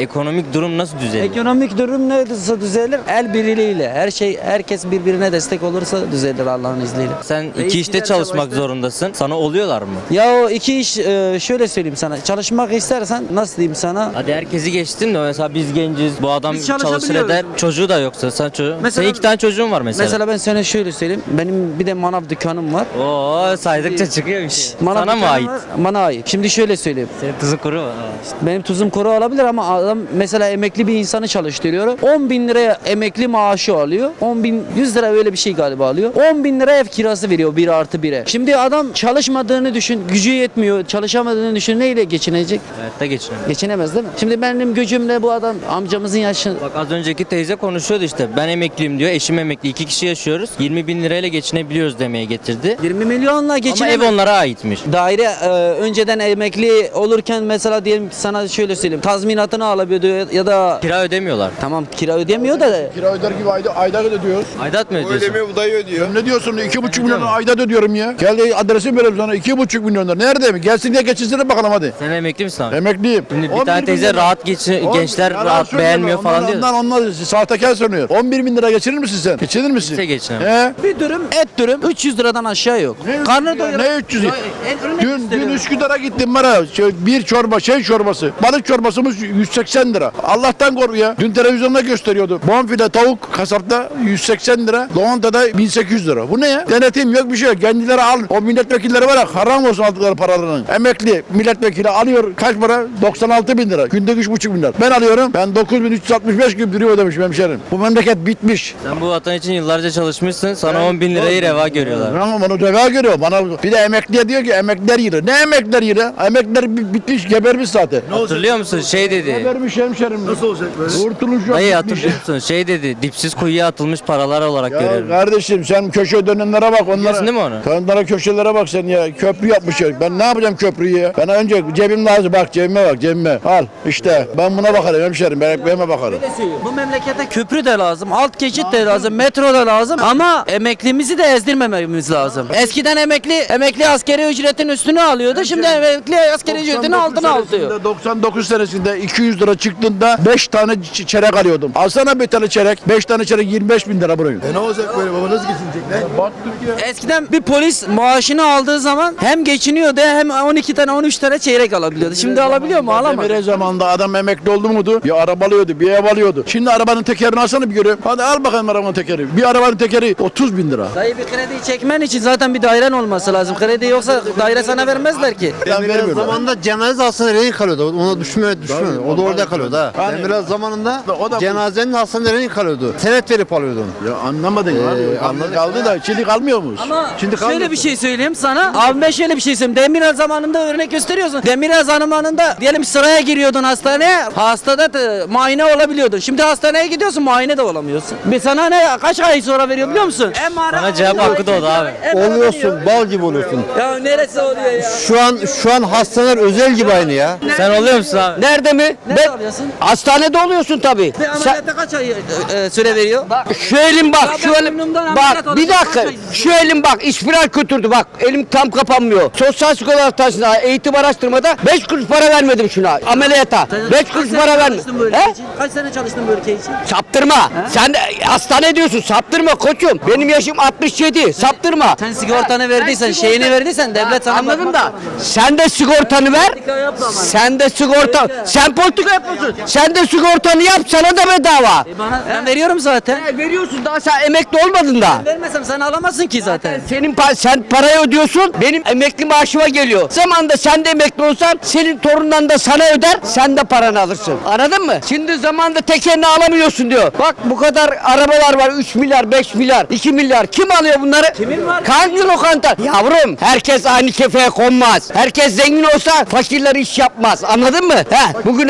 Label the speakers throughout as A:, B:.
A: ekonomik durum nasıl düzelir?
B: Ekonomik durum nasıl düzelir? El birliğiyle. Herkes birbirine destek olursa düzelir Allah'ın izniyle.
A: Sen iki
B: Reis
A: işte
B: giderse
A: çalışmak
B: başta-
A: zorundasın. Sana oluyorlar mı?
B: Ya o iki iş şöyle söyleyeyim sana. Çalışmak istersen nasıl diyeyim sana?
A: Hadi herkesi geçtin de mesela biz genciz. Bu adam
B: Biz
A: çalışır
B: çalışabiliyoruz.
A: eder. Çocuğu da yoksa sen çocuğu.
B: Mesela-
A: Senin 2 tane çocuğun var mesela.
B: Mesela ben sana şöyle söyleyeyim. Benim bir de manav dükkanım var.
A: Oo saydıkça çıkıyor bir şey.
B: Manav
A: Sana mı
B: dükkanım
A: ait?
B: var, bana ait. Şimdi şöyle söyleyeyim.
A: Senin tuzun kuru mu?
B: Benim tuzum kuru olabilir ama adam mesela emekli bir insanı çalıştırıyor. 10 bin liraya emekli maaşı alıyor. 10 bin 100 lira öyle bir şey galiba alıyor. 10 bin lira ev kirası veriyor 1+1'e. Şimdi adam çalışmadığını düşün. Gücü yetmiyor. Çalışamadığını düşün. Neyle geçinecek?
A: Hayatta geçiniyor.
B: Geçinemez değil mi? Şimdi benim gücümle bu adam amcamızın yaşı.
A: Bak az önceki teyze konuşuyordu işte. Ben emekliyim diyor. Eşim emekli. 2 kişi yaşıyoruz. 20 bin lirayla geçinebiliyoruz demeye getirdi.
B: 20 milyonla
A: Ama
B: geçinemez.
A: ev onlara aitmiş.
B: Daire önceden emekli olurken mesela diyelim ki sana şöyle söyleyeyim. Tazminatını alabiliyordu ya da
A: Kira ödemiyorlar.
B: tamam kira ödemiyor da
C: Kira öder gibi ayda ödüyoruz.
A: Aidat mı ödüyorsun?
D: Ödemiyor, bu dayı ödüyor.
C: Ne diyorsun? 2,5 milyon ayda ödüyorum ya. Gel adresi verelim sana. 2,5 milyon lira. Nerede mi? Gelsin diye geçinsene bakalım hadi.
A: Sen emekli misin abi?
C: Emekliyim.
A: Şimdi bir
C: 11
A: tane teyze
C: milyon-
A: rahat gençler
C: Yalan
A: rahat
C: söylüyor.
A: beğenmiyor falan diyor.
C: Onlar sahtekar sanıyor. 11 bin lira geçirir misin sen? Geçirir misin?
A: Kimse geçinemez.
C: He?
B: bir dürüm et dürüm 300 liradan aşağı yok. Karnı doyuran.
C: Ne 300'ü?
B: Örnek
C: Dün
B: gösteriyorum.
C: Üsküdar'a gittim bana. Bir çorba, çorbası. Balık çorbasımız 180 lira. Allah'tan kork ya. Dün televizyonda gösteriyordu. Bonfile tavuk kasapta 180 lira. Loğanta'da 1800 lira. Bu ne ya? Denetim yok bir şey yok. Kendileri al. O milletvekilleri var ya haram olsun aldıkları paralarının. Emekli milletvekili alıyor kaç para? 96 bin lira. Günde 3,5 bin lira. Ben alıyorum. Ben 9365 gün prim ödemişim hemşerim. Bu memleket bitmiş.
A: Sen bu vatan için yıllarca çalışmışsın. Sana 10 bin lirayı reva görüyorlar.
C: Ama bana reva görüyor. Bana bir de emekliye diyor ki emekliler yürü. Ne emekliler yürü? Emekliler bitmiş, gebermiş zaten.
A: Hatırlıyor musun? Şey dedi.
C: Gebermiş hemşerim. Nasıl olacak böyle? Kurtuluş yok.
A: Dayı
C: bitmiş.
A: hatırlıyor musun? Şey dedi. Dipsiz kuyuya atılmış paralar olarak
C: Ya
A: görüyorum.
C: kardeşim sen köşe dönenlere bak onlara.
A: Biliyorsun değil mi onu?
C: Onlara köşelere bak sen ya. Köprü yapmış ya. Ben ne yapacağım köprüyü ya? Ben önce cebim lazım. Bak cebime bak cebime. Al işte. Ben buna bakarım hemşerim. Ben ekmeğime bakarım.
B: Bu memlekete köprü de lazım, alt geçit de lazım, metro da lazım ama emeklimizi de ezdirmememiz lazım. Eskiden emekli askeri ücretin üstünü alıyordu. Şimdi emekli askeri ücretin altına alıyor.
C: 99 senesinde 200 lira çıktığında 5 tane çeyrek alıyordum. Alsana bir tane çeyrek. 5 tane çeyrek 25 bin lira buraya.
D: Ne olacak böyle baba, nasıl geçinecek ne?
C: Baktık ya.
B: Eskiden bir polis maaşını aldığı zaman hem geçiniyordu hem 12 tane 13 tane çeyrek alabiliyordu. Şimdi alabiliyor mu? Alamaz.
C: Demire zamanında adam emekli oldu muydu? Bir araba alıyordu, bir ev alıyordu. Şimdi arabanın tekerini alsana bir görüyorum. Hadi al bakalım arabanın tekeri. Bir arabanın tekeri 30 bin lira.
B: Dayı bir krediyi çekmen için zaten bir dairen olması lazım. Kredi yoksa daire sana vermezler ki.
C: Vermiyorlar.
D: Zamanında cenaze hastaneleri kalıyordu. Ona düşmüyor. O da orada kalıyordu ha.
C: Yani-
D: Ben biraz zamanında
C: O da-
D: cenazenin hastaneleri kalıyordu. Senet verip alıyordun.
C: Ya anlamadın abi.
D: anladım.
C: Kaldı da şimdi kalmıyor mu?
B: Ama
D: Şimdi
B: şöyle
D: kalmasın.
B: bir şey söyleyeyim sana. Abi ben şöyle bir şey söyleyeyim. Demirel zamanında örnek gösteriyorsun. Demirel zamanında diyelim sıraya giriyordun hastaneye. Hastada da muayene olabiliyordun. Şimdi hastaneye gidiyorsun muayene de olamıyorsun. Bir sana ne kaç ay sonra veriyor biliyor musun?
A: Sana cevap hakkı doğdu abi.
D: Oluyorsun, bal gibi oluyorsun.
B: Ya neresi oluyor ya?
D: Şu an hastaneler özel gibi aynı ya.
A: Sen oluyor musun abi?
E: Nerede mi?
B: Nerede alıyorsun?
E: Hastanede oluyorsun tabii.
B: Bir ameliyatta kaç ay süre veriyor?
E: Şu elim bak,
B: Ya
E: şu
B: ben
E: elim
B: burnumdan ameliyat
E: bak bir
B: olacağım,
E: dakika.
B: kaç ay?
E: Şu elim bak, ispiral götürdü bak. Elim tam kapanmıyor. Sosyal sigorta hastanesinde eğitim araştırmada 5 kuruş para vermedim şuna ameliyata. 5 kuruş para vermedim. He?
B: Kaç sene çalıştın bu ülke için?
E: Saptırma. Sen de hastane diyorsun. Saptırma koçum. Benim yaşım 67. Saptırma.
B: Sen sigortanı verdiysen, şeyini verdiysen devlet sana
E: Anladın
B: bakmak
E: da.
B: zorunda.
E: Sen de sigortanı ver.
B: Politika yapma bana.
E: Sen de sigorta. Sen politika yapıyorsun. Sen de sigortanı yap, sana da bedava.
B: Ben veriyorum zaten.
E: Veriyorsun, daha sen emekli olmadın da.
B: Vermesem sen alamazsın ki zaten.
E: Sen parayı ödüyorsun, benim emekli maaşıma geliyor. Zamanında sen de emekli olsan, senin torundan da sana öder, sen de paranı alırsın. Anladın mı? Şimdi zamanında tekerini alamıyorsun diyor. Bak bu kadar arabalar var, 3 milyar, 5 milyar, 2 milyar. Kim alıyor bunları?
B: Kimin var?
E: Hangi lokanta? Yavrum, herkes aynı kefeye konmaz. Herkes zengin olsa fakirler iş yapmaz. Anladın mı? Bugün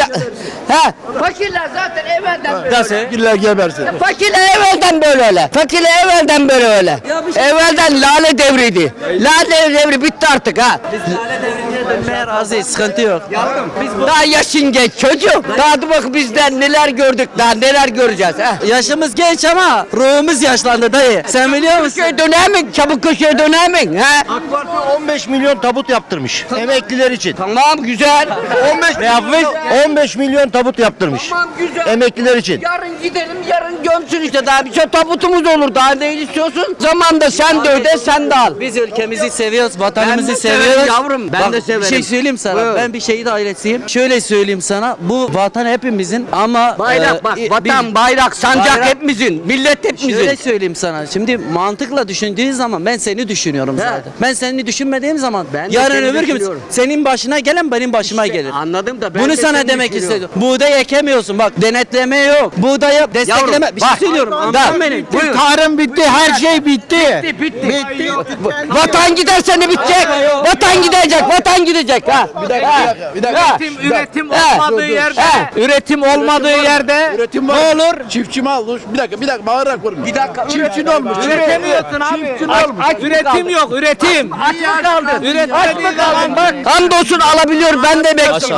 E: fakirler zaten evvelden böyle.
A: Nasıl?
C: Fakirler gebersin.
E: Fakirler evvelden böyle öyle. Fakirler evvelden böyle öyle.
B: Ya bir şey-
E: Evvelden lale devriydi. Lale devri bitti artık ha.
B: Lale devrinde Dönmeye razıyız. Sıkıntı yok.
E: Daha yaşın genç çocuk. Daha dur bak bizden neler gördük, daha neler göreceğiz.
B: Yaşımız genç ama ruhumuz yaşlandı dayı. Sen biliyor musun?
E: Köşeye döner mi? Çabuk köşeye döner mi? He?
F: AK Parti 15 milyon tabut yaptırmış emekliler için.
E: Tamam güzel.
F: 15 ne yapmış? 15 milyon tabut yaptırmış.
E: Tamam güzel.
F: Emekliler için.
E: Yarın gidelim, yarın gömsün işte, daha bir şey tabutumuz olur. Daha ne istiyorsun? Zamanda sen de öde, sen de al.
B: Biz ülkemizi seviyoruz, vatanımızı
E: Ben de severim
B: seviyoruz.
E: yavrum, ben
B: Bak,
E: de severim.
B: Bir şey söyleyeyim sana.
E: Buyur.
B: Ben bir şehit ailesiyim. Şöyle söyleyeyim sana. Bu vatan hepimizin ama
E: Bayrak bak, vatan, bayrak, sancak
B: Bayrak-
E: hepimizin, millet hepimizin.
B: Şöyle söyleyeyim sana. Şimdi mantıkla düşündüğün zaman ben seni düşünüyorum zaten. Ben seni düşünmediğim zaman
E: Ben de
B: yarın
E: seni
B: öbür gün
E: düşünüyorum.
B: senin başına gelen benim başıma gelir.
E: Anladım da ben
B: Bunu
E: de
B: sana
E: seni
B: demek
E: düşünüyorum.
B: istedim. Buğday ekemiyorsun bak, denetleme yok. Buğdaya destekleme. Bir şey
E: bak.
B: söylüyorum. Anladın beni?
E: Buyur.
F: Tarım bitti, her şey bitti.
E: Bitti. Vatan giderse ne bitecek? Vatan gidecek, vatan gidecek. Ha. Bir dakika.
G: Üretim olmadığı yerde, üretim olmadığı yerde
C: Üretim var. Ne olur? Çiftçi mi olmuş? Bir dakika bağırarak vurma. Bir
E: dakika,
C: Çiftçi ne olmuş?
G: üretemiyorsun abi.
C: Çiftçi ne olmuş?
G: Üretim yok, üretim.
E: Aç mı kaldın?
G: Üretim
E: Aç mı kaldın? Bak. Hamdolsun alabiliyor, ben de bekliyorum.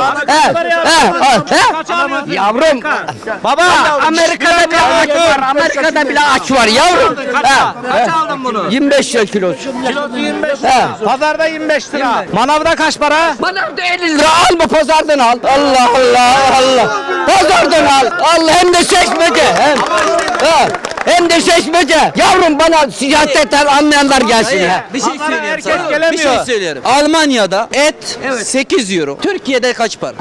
E: Yavrum.
G: Baba,
E: Amerika'da bile aç var. Amerika'da bile aç var yavrum.
G: kaç aldın bunu?
E: 25 lira kilosu.
G: Kilosu 25 lira. Pazarda 25 lira. Manavda kaç para?
E: Bana da 50 lira alma, pazardan al. Allah Allah Allah. Pazardan al. Allah, hem de seçmece. Hem de seçmece. Yavrum bana siyasetten anlayanlar gelsin ya.
B: Bir şey söyleyeyim
G: herkes
B: sana.
G: gelemiyor.
B: Bir şey söylüyorum. Almanya'da et 8 euro. Türkiye'de kaç para?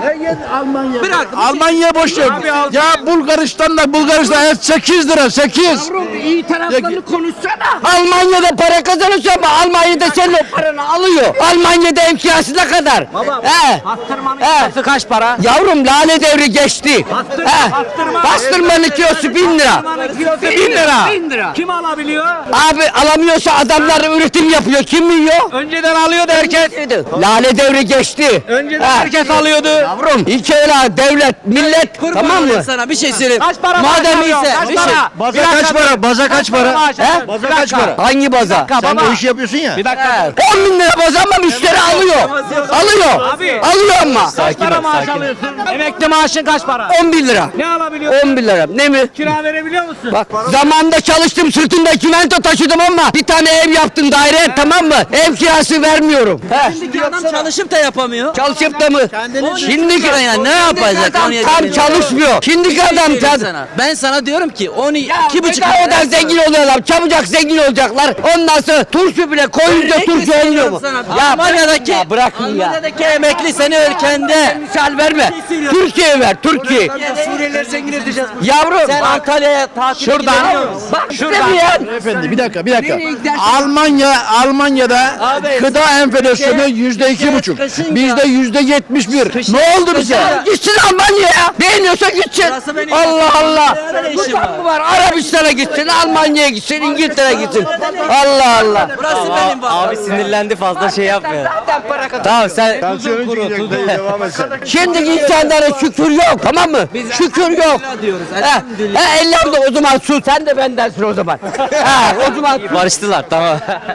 C: Almanya boş ver. Ya Bulgaristan et 8 lira 8.
E: İyi taraflarını konuşsana. Almanya'da para kazanıyorsun ama Almanya'da senin o paranı alıyor. Almanya'da emkiyası ne kadar?
G: Bastırmanın
E: He.
G: kilosu kaç para?
E: Yavrum lale devri geçti. Bastırmanın kilosu 1000 lira.
G: Bastırmanın kilosu 1000 lira.
E: 1000 lira.
G: Kim alabiliyor?
E: Abi alamıyorsa adamlar üretim yapıyor. Kim yiyor?
G: Önceden alıyordu herkes.
E: Lale devri geçti.
G: Önceden
E: Ha.
G: herkes alıyordu.
E: Yavrum ilk öyle devlet, millet,
B: Kurban
E: tamam mı?
B: olayım sana bir şey söyleyeyim.
G: Kaç para
B: Madem
G: maaş alıyorsun?
B: ise
G: Kaç
B: bir şey.
G: para?
F: Baza
G: Bir dakika
F: kaç
G: dur.
F: para? Baza kaç para?
G: maaş alıyorsun?
E: He?
F: Baza
G: Bir
F: kaç
G: dakika.
F: para?
E: Hangi baza?
F: Sen
G: baba.
F: bu işi yapıyorsun ya.
G: Bir dakika.
E: 10 bin lira baza ama müşteri alıyor. Alıyor.
G: Abi.
E: Alıyor ama.
G: Kaç para maaş alıyorsun? Emekli maaşın kaç para?
E: 10 bin lira.
G: Ne alabiliyorsun?
E: 10 bin lira. Ne mi?
G: Kira verebiliyor musun?
E: Bak zamanında çalıştım, sırtımda kimento taşıdım ama bir tane ev yaptım, daire, tamam mı? Ev kirası vermiyorum.
B: Şimdiki adam çalışıp da yapamıyor.
E: Çalışıp da mı? Şimdiki
B: Yani ne yapacak?
E: adam tam çalışmıyor. Şimdiki adam
B: Ben sana diyorum ki 12
E: 2,5
B: buçuk
E: kadar zengin oluyorlar. Çabucak zengin olacaklar. Ondan sonra turşu bile koyunca turşu olmuyor mu?
B: Almanya'daki
E: ya bırakın ya.
B: Almanya'daki emekli seni ülkende.
E: Misal verme. Türkiye'ye ver, Türkiye.
B: Suriyeliler zengin edeceğiz.
E: Yavrum
B: Sen
E: bak.
B: Antalya'ya tatil
G: Şuradan.
E: Bak istemeyen.
C: Efendi bir dakika.
E: Nereye gidersin?
C: Almanya'da
B: Abi,
C: gıda enflasyonu %2,5.
B: kışın
C: Bizde %71. Ne oldu bize?
E: Gitsin Almanya'ya. Beğeniyorsa gitsin.
B: Burası benim
E: Allah Allah.
B: Böyle işim
E: Bu
B: var.
E: mı var? Arabistan'a gitsin, Almanya'ya gitsin, İngiltere'ye gitsin. Allah Allah.
B: Burası benim
A: Abi sinirlendi fazla şey yapmıyor.
E: Zaten para kazan.
A: Tamam sen
F: Tansiyonu çıkacak dayı, devam et sen.
E: Şimdiki insanlara şükür yok, tamam mı? Şükür yok.
B: diyoruz.
E: Elhamdülillah o zaman sus. Sen de bendensin o zaman. O zaman
A: barıştılar tamam.